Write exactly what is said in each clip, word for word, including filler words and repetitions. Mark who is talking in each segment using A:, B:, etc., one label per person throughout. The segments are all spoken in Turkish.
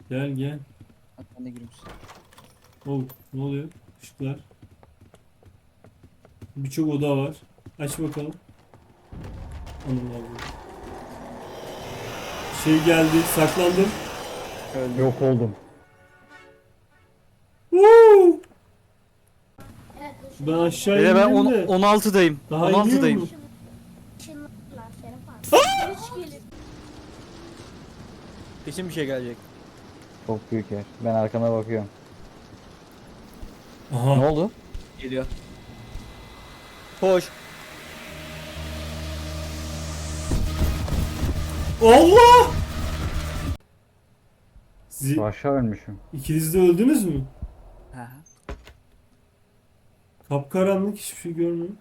A: Gel gel.
B: Hadi ben de gireyim.
A: Oh, ne oluyor? Işıklar. Birçok oda var. Aç bakalım. Anam abi. Şey geldi. Saklandım.
B: Öldüm.
C: Yok oldum.
A: Woo! Ben aşağı
B: Beyler ben
A: indim
B: on,
A: de.
B: on altıdayım.
A: Daha
B: on
A: iniyor
B: altıdayım.
A: mu?
D: Işınlarlar Şeref abi. Hiç gelir.
B: Kesin bir şey gelecek.
C: Çok büyük yer. Ben arkana bakıyorum. Ne
A: Aha.
C: oldu?
B: Geliyor. Koş.
A: Allah! Siz
C: Aşağı ölmüşüm.
A: ikiniz de öldünüz mü?
B: Ha.
A: Kapkaranlık, hiçbir şey görmüyorum.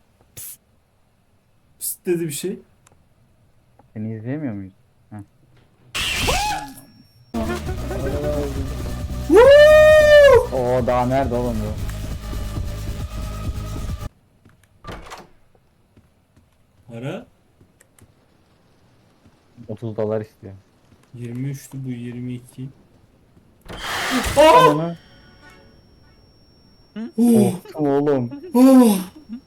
A: Pist dedi bir şey.
C: Seni izleyemiyor muyuz?
A: Woo!
C: Oo daha nerede oğlum bu?
A: Para
C: otuz dolar istiyor.
A: yirmi üçtü, bu yirmi iki. Aa!
C: Ananı.
A: Oh!
C: Korktum oğlum.
A: Oh!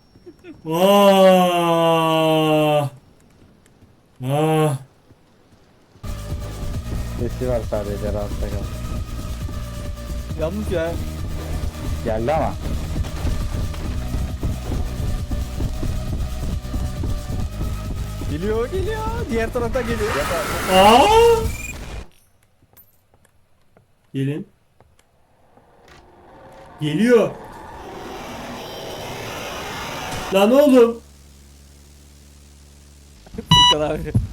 A: Ah! Ah!
C: Sesi var sadece, rahatta kal.
B: Yanlış ya.
C: Geldi ama.
B: Geliyor geliyor. Diğer taraftan geliyor.
A: Aa! Gelin. Geliyor. Lan oğlum.
B: Furkan abi.